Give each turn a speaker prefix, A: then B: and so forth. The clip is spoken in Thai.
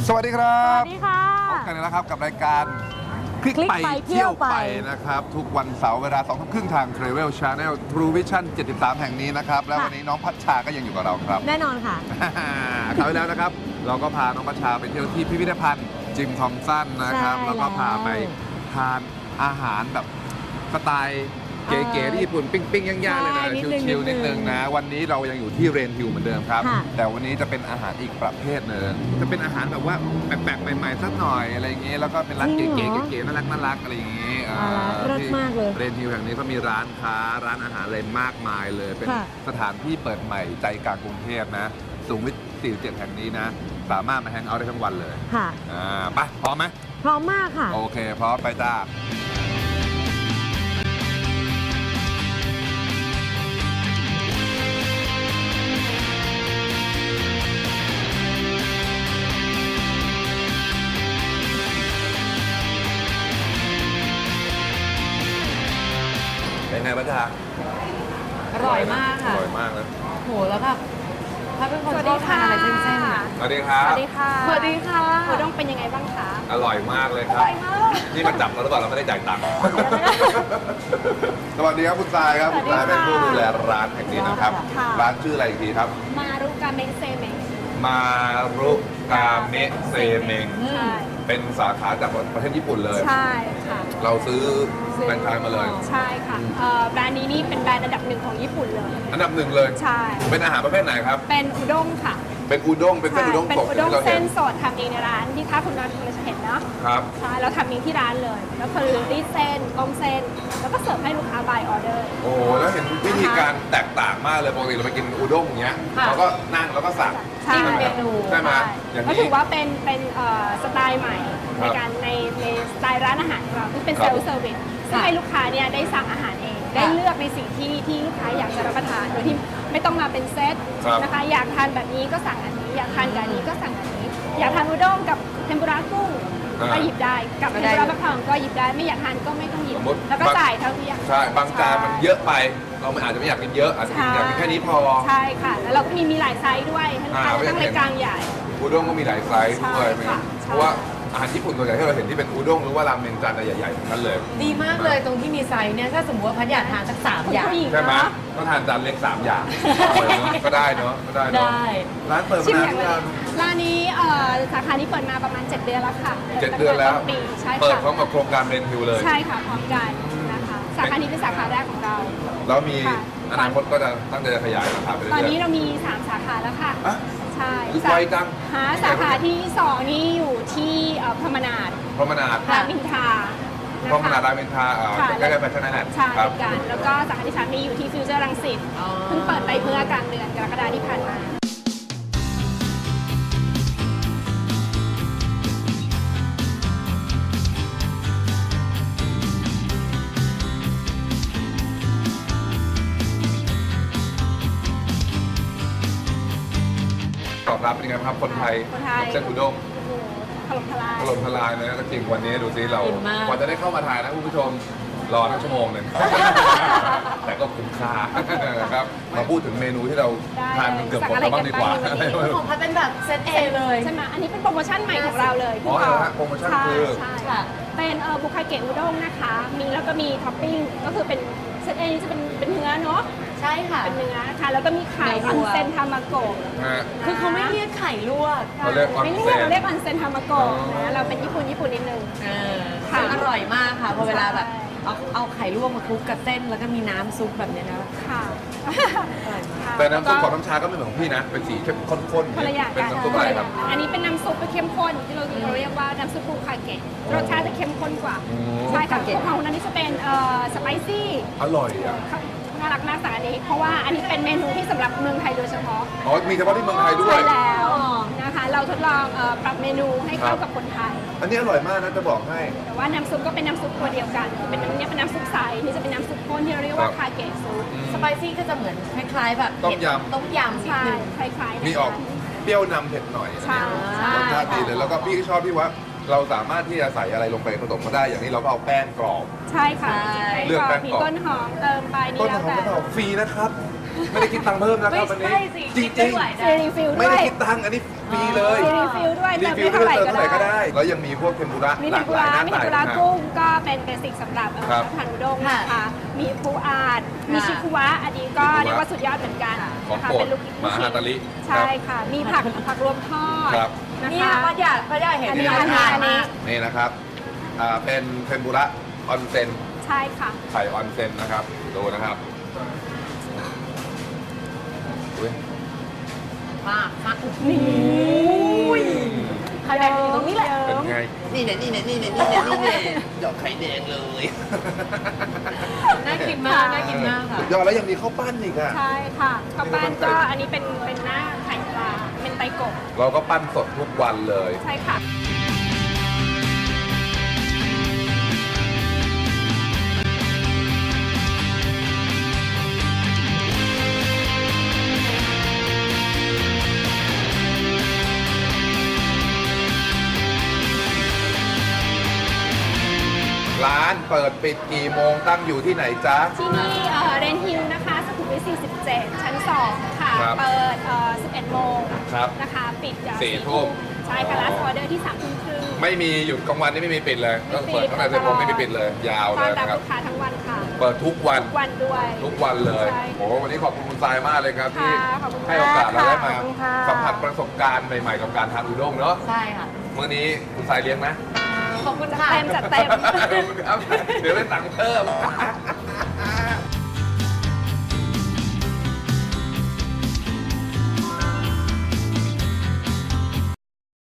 A: สวัสดีครับ
B: สวัสดีค่ะ
A: พบกันแล้วครับกับรายการคลิก
B: คลิก
A: ไป
B: ไป
A: เที่ยวไป
B: เที่ยวไป
A: นะครับ ทุกวันเสาร์เวลา2 ทุ่มครึ่งทาง Travel Channel True Vision 73 แห่งนี้นะครับ แล้ววันนี้น้องพัชชาก็ยังอยู่กับเราครับ
B: แน่นอนค่ะ
A: คราวที่แล้วนะครับ เราก็พาน้องพัชชาไปเที่ยวที่พิพิธภัณฑ์จิมทอมสันนะครับ
B: ใช่
A: แล้วก็พาไป
B: แล้ว
A: ทานอาหารแบบสไตล์เก๋ๆที่ญี่ปุ่นปิ้งๆย่างๆเลยนะ
B: ใช่นิดนึง
A: ชิวๆนิดนึงนะ วันนี้เรายังอยู่ที่เรนฮิลเหมือนเดิมครับ
B: ค่ะ
A: แต่วันนี้จะเป็นอาหารอีกประเภทหนึ่งจะเป็นอาหารแบบว่าแปลกๆใหม่ๆสักหน่อยอะไรอย่างเงี้ยแล้วก็เป็นร้าน
B: จริ
A: เก๋
B: งเหรอ
A: ๆเก๋ๆน่ารักอะไรอย่างงี้
B: เลิศมากเลย
A: เรนฮิลแห่งนี้ก็มีร้านค้าร้านอาหารอะไรมากมายเลย เป็น
B: ค่ะ
A: สถานที่เปิดใหม่ใจกลางกรุงเทพนะสุขุมวิท47 แห่งนี้นะ สามารถมาแฮงเอาท์ได้ทั้งวันเลย
B: ค่ะ
A: ไปพร้อมไหม
B: พร้อมมากค่ะ
A: โอเคพร้อมไปจ้าเป็นไงบ้างจ๊ะ
C: อร่อยมาก
A: อ
C: ค่ะ
A: ร่อยมากเลย
C: โห แล้วแบบถ้าเป็นคนชอบทานอะไรเส้นๆอะ
A: สวัสดีครับ
D: สวัสดีค่ะ
C: สวัสดีค่ะ
D: คุณต้องเป็นยังไงบ้างคะ
A: อร่อยมากเลยครับ นี่มาจับเราหรือเปล่าเราไม่ได้จ่ายตังค์ สวัสดีครับคุณทรายครับ คุณทรายเป็นผู้ดูแลร้านแห่งนี้นะครับ
D: ค่ะ
A: ร้านชื่ออะไรอีกทีครับ
D: มารุกาเมะเซเมะ
A: มารุกาเมะเซเมง
D: ใช่
A: เป็นสาขาจากประเทศญี่ปุ่นเลย
D: ใช่ค่ะ
A: เราซื้อแฟรนไชส์มาเลย
D: ใช่ค่ะแบรนด์นี้นี่เป็นแบรนด์อันดับหนึ่งของญี่ปุ่นเลย
A: อันดับหนึ่งเลย
D: ใช่
A: เป็นอาหารประเภทไหนครับ
D: เป็นอุด้งค่ะ
A: เป็นอุด้ง เป็นเส้นอุด้ง
D: เป็น
A: สด
D: อุด้ง
A: ที่เรา
D: เส้
A: เห็
D: น
A: น
D: สดทำเองในร้านที่ถ้าคุณนัทจะเห็นเนาะ
A: ครับ
D: ใช่เราทำเองที่ร้านเลยแล้วคือรีดเส้นต้มเส้น แล้วก็เสิร์ฟให้ลูกค้า by order
A: โอ้โหแล้วเห็นวิธีการแตกต่างมากเลย ปกติเราไปกินอุด้งอย่างเงี้ย
C: ค่ะ
A: เราก็นั่งแล้วก็สั่ง
D: ใช่
C: จิ้มเมนู
A: ใช่ไหมอย่าง
D: ก็
A: นี้
D: ถือว่าเป็นสไตล์ใหม่
A: ครั
D: ใน
A: บ
D: การในสไตล์ร้านอาหารของเราที่เป็น
A: ครั
D: เซ
A: บ
D: ลล์เซอร์วิสซึ่งให้ลูกค้าเนี่ยได้สั่งอาหารเอง ได้เลือกในสิ่งที่ลูกค้าอยากจะรับประทานโดยที่ไม่ต้องมาเป็นเซต
A: ครับ
D: นะคะอยากทานแบบนี้ก็สั่งอันนี้ อยากทานกับอันนี้ก็สั่งอันนี้ อยากทานอุด้งกับเทมปุระกุ้งก็หยิบได้กับเทมปุระมะพร้าวก็หยิบได้ไม่อยากทานก็ไม่ต้องหยิบ
A: สมมติ
D: แล้วก็จ่ายเท่าที่อยาก
A: ใช่ บางจานมันเยอะไป เราอาจจะไม่อยากกินเยอะ อาจจะกินอยากกินแค่นี้พอ
D: ใช่ค่ะ แล้วเราก็มีหลายไซส์ด้วยให้ลูกค้าทั้งเล็กกลางใหญ่
A: อุด้งก็มีหลายไซส์ด้วย
D: ใช่ค่ะ
A: เพราะว่าอาหารญี่ปุ่นส่วนใหญ่ที่เราเห็นที่เป็นอุด้งหรือว่าราเมงจานใหญ่ๆทั้งนั้นเลย
C: ดีมากเลยตรงที่มีไซส์เนี่ย ถ้าสมมติว่าพัดอยากทานสัก3อย่าง
D: ผู้หญิง
A: ใช่ไหม
D: เนาะ
A: ก็ทานจานเล็ก3 อย่างก็ได้เนาะก็ได้เนาะ
C: ได้
A: ร้านเปิด
D: ชิม
A: มา
D: อย่าง
A: นาน
D: ร้านนี้สาขานี้เปิดมาประมาณ 7 เดือนแล้วค่ะ
A: 7 เดือนแล้ว
D: ปีใช่
A: เปิด
D: ค่ะ
A: พร้อมกับโครงการเรนฮิวเลย
D: ใช่ค่ะพร้อมกันนะคะสาขานี้เป็นสาขาแรกของเรา
A: แล้วมี
D: ค่ะ
A: อนาคตก็จะตั้งใจจะขยายสาขาไปเรื่
D: ตอน
A: อย
D: นี้เรามี 3 สาขาแล้วค่ะ
A: ๆอะ
D: ใช่
A: ไวจัง
D: หาสาขาที่ 2 นี่อยู่ที่พรหมนาด
A: พรหมนาด
D: รามอินทรานะ
A: พรหมนาด
D: คะ
A: รามอินทรา
D: ค่ะ
A: ใกล้ๆไปแค่นั้นแหละ
D: ใช่
A: ครับ
D: กันแล้วก็สาขาที่ 3 นี่อยู่ที่ฟิวเจอร์รังสิต
C: อ๋อ
D: เพิ่งเปิดไปเมื่อกลางเดือนกรกฎาคมที่ผ่านมา
A: ตอบรับเป็นยังไงบ้างครับคนไทย
D: คนไทย
A: เส้นอุด้ง
D: โอ้โหถล่มทลาย
A: ถล่มทลายเลยนะจริงวันนี้ดูซิเรา
C: อิ่มมาก
A: กว่าจะได้เข้ามาถ่ายนะคุณผู้ชมรอทั้งชั่วโมงหนึ่ง แต่ก็คุ้มค่าครับมาพูดถึงเมนูที่เราทานกันเกือบหมดแล้วบ้างดีกว่า
C: ของพัดเป็นแบบเซตเอเลย
D: ใช่ไหมอันนี้เป็นโปรโมชั่นใหม่ของเราเลย
A: อ๋อเหรอฮะโปรโมชั่นคือ
D: ใช่
C: ค่ะ
D: เป็นบุคาเกะอุด้งนะคะ มีแล้วก็มีท็อปปิ้งก็คือเป็นเซตเอนี่จะเป็นเนื้อเนาะ
C: ใช่ค่ะ
D: เป็นเนื้อนะคะแล้วก็มีไข่
C: เนื้
D: อ
C: อวั
D: อน
C: ว
D: เซนทามาโกะ
A: ฮะ
C: คือเขาไม่เรียกไข่ลวก
A: เขาเรียกออน
D: ไม่
A: เซ็
D: เรียก
A: น
D: เราเรียกออนเซนทามาโกะ
A: อ๋อ
D: นะเราเป็นญี่ปุ่นนิดนึง ค่ะ
C: ซึ่งอร่อยมากค่ะพอเวลาแบบ
D: ใช่
C: เอาไข่ลวกมาคลุกกับเส้นแล้วก็มีน้ำซุปแบบเนี้ยนะ
D: ค่ะ
C: อร่อยมาก
A: แต่น้ำซุปของน้ำชาก็ไม่เหมือนของพี่นะ เป็นสีเข้มข้นๆ
D: คนละอย่าง
A: เป็น
D: กัน
A: น้ำซุปอะไรครับ
D: อันนี้เป็นน้ำซุปเข้มข้นที่เราเรียกว่าน้ำซุปบุคาเกะรสชาติจะเข้มข้นกว่า
A: อืม
D: ใช่ค่ะของนั้นนี่จะเป็นสไปซี่
A: อร่อยอ่ะ
D: น่ารักมากสาขานี้เพราะว่าอันนี้เป็นเมนูที่สำหรับเมืองไทยโดยเฉพาะ
A: อ๋อ มีเฉพาะที่เมืองไทยด้วย
D: ใช่แล้วนะคะ เราทดลองปรับเมนูให้เข้ากับคนไทย
A: อันนี้อร่อยมากนะจะบอกให้
D: แต่ว่าน้ำซุปก็เป็นน้ำซุปตัวเดียวกันคือเป็นน้ำเนี่ยเป็นน้ำซุปใสนี่จะเป็นน้ำซุปข้นที่เราเรียกว่า
A: ครับ
D: คาเกะซุป
C: สไปซี่ก็จะเหมือนคล้ายๆแบบ
A: ต้มยำ
C: ต้มยำนิด
D: ใช่
C: นึง
D: คล้ายๆนะคะ
A: มีออกเปรี้ยวนำเผ็ดหน่อย
D: ใช่ใช่
A: รสชาติดีเลย แล้วก็พี่ก็ชอบที่ว่าเราสามารถที่จะใส่อะไรลงไปผสมก็ได้ อย่างนี้เราก็เอาแป้งกรอบ
D: ใช่ค่ะ
A: เลือกแป้ง
D: มี
A: กรอบ
D: ต้นหอมเติมไปนี่
A: ต้น
D: แล้ว
A: หอม
D: แต่
A: ไม่ต้องฟรีนะครับ ไม่ได้คิดตังค์เพิ่มนะครับวันนี้
C: ไม่ใช่สิ
A: จริง
C: คิดไม่ไหว
D: ซีรีฟิล
A: ๆ ไม่
D: ด้ว
A: ได้
D: ย
A: คิดตังค์อันนี้ฟรีเลย
D: ซีรีฟิลด้วย
A: รี
D: เติม
A: ฟิล
D: ไม่
A: ไม่
D: เท่า ไหร่ก็
A: ได้เติมเท่าไหร่ก็
D: ได้
A: ได้ แล้วยังมีพวกเทมปุระ
D: มี
A: ห
D: เท
A: ลาม ก
D: ปุ
A: หลาย
D: ระ
A: หน้า
D: มีเท
A: ตาม
D: ปุระ
A: นะ
D: กุ้งก็เป็นเบสิกสำหรับ
A: ครับ
D: ทานอุด้งนะคะมีปูอาดมีชิคุวะอันนี้ก็
A: ชิคุวะ
D: เรียกว่าสุดยอดเหมือนกัน
A: ของ
D: นะคะ
A: โปรด
D: เป็นลูก
A: มหาตาลิ
D: ใช่ค่ะ มีผักรวมทอด
A: ครับ
D: นะ
C: เนี่ย
D: คะ
C: พัดยาเห็น
D: อันนี้
C: น่าทาน
D: อันนี้
C: มาก
A: นี่นะครับเป็นเทมปุระออนเซน
D: ใช่ค่ะ
A: ไข่ออนเซนนะครับ ดูนะครับอุ๊ย
C: มากมาก
D: นี่
C: ใครแดงอยู่ตรงนี้แหละ
A: เป็นไง
E: นี่เนี่ยหยอกไข่แดงเลย
C: น่ากินมากน่ากินมากค่ะ
A: สุดยอดแล้วยังมีข้าวปั้นอีกอ่ะ
D: ใช่ค่ะข้าวปั้นก็อันนี้เป็นหน้าไข่ปลาเป็นไตกบ
A: เราก็ปั้นสดทุกวันเลย
D: ใช่ค่ะ
A: ร้านเปิดปิดกี่โมงตั้งอยู่ที่ไหนจ๊ะ
D: ที่นี่เรนฮิลนะคะสุขุมวิท47 ชั้น 2 ค่ะ
A: ครับ
D: เปิด11 โมง
A: ครับ
D: นะคะ ปิด
A: 4 ทุ่ม
D: ใช่ค่ะ last order ที่3 ทุ่มครึ่ง
A: ไม่มีหยุดกลางวันนี่ไม่มีปิดเลยก็
D: ไม่ปิด
A: เปิดตั้งแต่10 โมงไม่มีปิดเลย ยาว
D: ต้
A: เล
D: อน
A: ย
D: รับ
A: นะครับ
D: ลูกค้าทั้งวันค่ะ
A: เปิดทุกวัน
D: ทุกวันด้วย
A: ทุกวันเลย
D: ใช่
A: โอ้โหวันนี้ขอบคุณคุณทรายมากเลยครับที่
D: ค่ะขอบคุณ
A: ให้โอกาสเราได้มา
D: ขอบคุณค่ะ
A: สัมผัสประสบการณ์ใหม่ๆกับการทานอุด้งเนาะ
C: ใช่ค่ะ
A: มื้อนี้คุณทรายเลี้ยงไหม
C: ขอบคุณค่ะ
D: เต็มจัดเต็ม
A: ครับเดี๋ยวได้ตังค์เพิ่ม